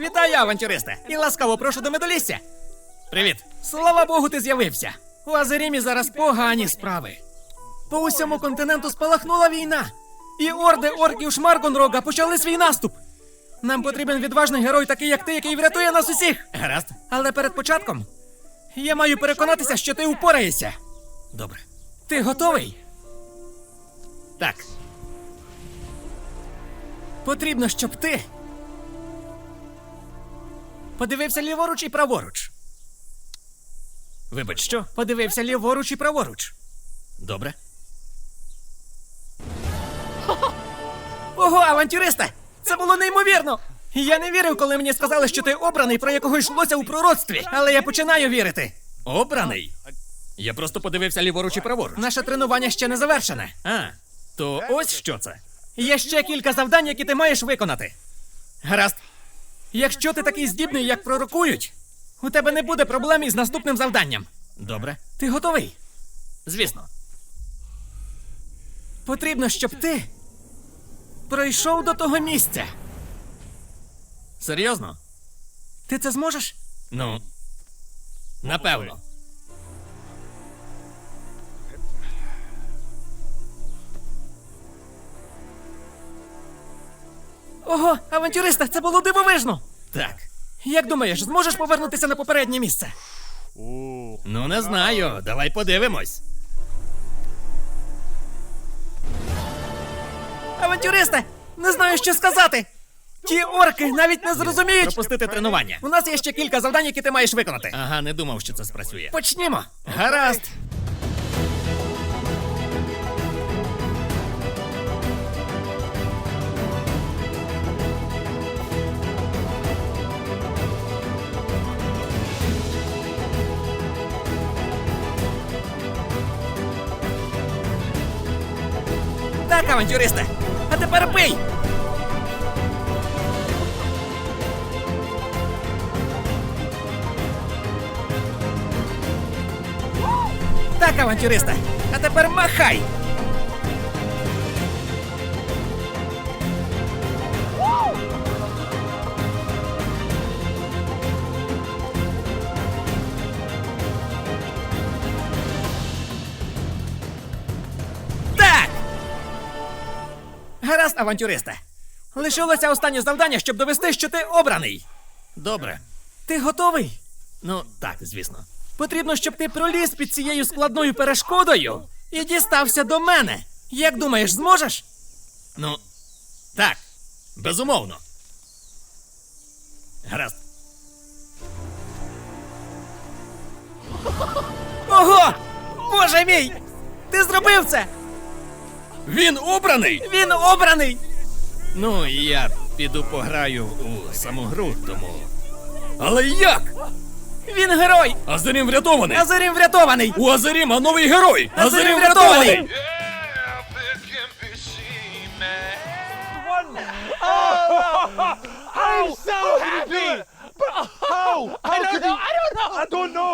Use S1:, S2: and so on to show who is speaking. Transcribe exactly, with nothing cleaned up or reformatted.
S1: Вітаю, авантюристе! І ласкаво прошу до медолісся. Привіт. Слава Богу, ти з'явився. У Азерімі зараз погані справи. По усьому континенту спалахнула війна. І орди орків Шмаргонрога почали свій наступ. Нам потрібен відважний герой, такий як ти, який врятує нас усіх. Гаразд. Але перед початком я маю переконатися, що ти упораєшся. Добре. Ти готовий? Так. Потрібно, щоб ти подивився ліворуч і праворуч. Вибач, що? Подивився ліворуч і праворуч. Добре. Ого, авантюристе! Це було неймовірно! Я не вірив, коли мені сказали, що ти обраний, про якого йшлося у пророцтві. Але я починаю вірити. Обраний? Я просто подивився ліворуч і праворуч. Наше тренування ще не завершене. А, то ось що це. Є ще кілька завдань, які ти маєш виконати. Гаразд. Якщо ти такий здібний, як пророкують, у тебе не буде проблем із наступним завданням. Добре. Ти готовий? Звісно. Потрібно, щоб ти пройшов до того місця. Серйозно? Ти це зможеш? Ну, напевно. Ого, авантюриста, це було дивовижно! Так. Як думаєш, зможеш повернутися на попереднє місце? Ну, не знаю. Давай подивимось. Авантюристе, не знаю, що сказати. Ті орки навіть не зрозуміють. Пропустити тренування. У нас є ще кілька завдань, які ти маєш виконати. Ага, не думав, що це спрацює. Почнімо. Гаразд. Так, авантюристе. А тепер бий! Так, авантюристе. А тепер махай! Так! Гаразд, авантюристе. Лишилося останнє завдання, щоб довести, що ти обраний. Добре. Ти готовий? Ну, так, звісно. Потрібно, щоб ти проліз під цією складною перешкодою і дістався до мене. Як думаєш, зможеш? Ну, так, безумовно. Гаразд. Ого! Боже мій! Ти зробив це! Він обраний? Він обраний! Ну, я піду пограю у саму гру, тому... Але як? Він герой!
S2: Азерім врятований!
S1: Азерім врятований!
S2: У Азеріма новий герой!
S1: Азерім врятований!
S3: I'm so happy! But how? How I don't know. I don't know. I don't know.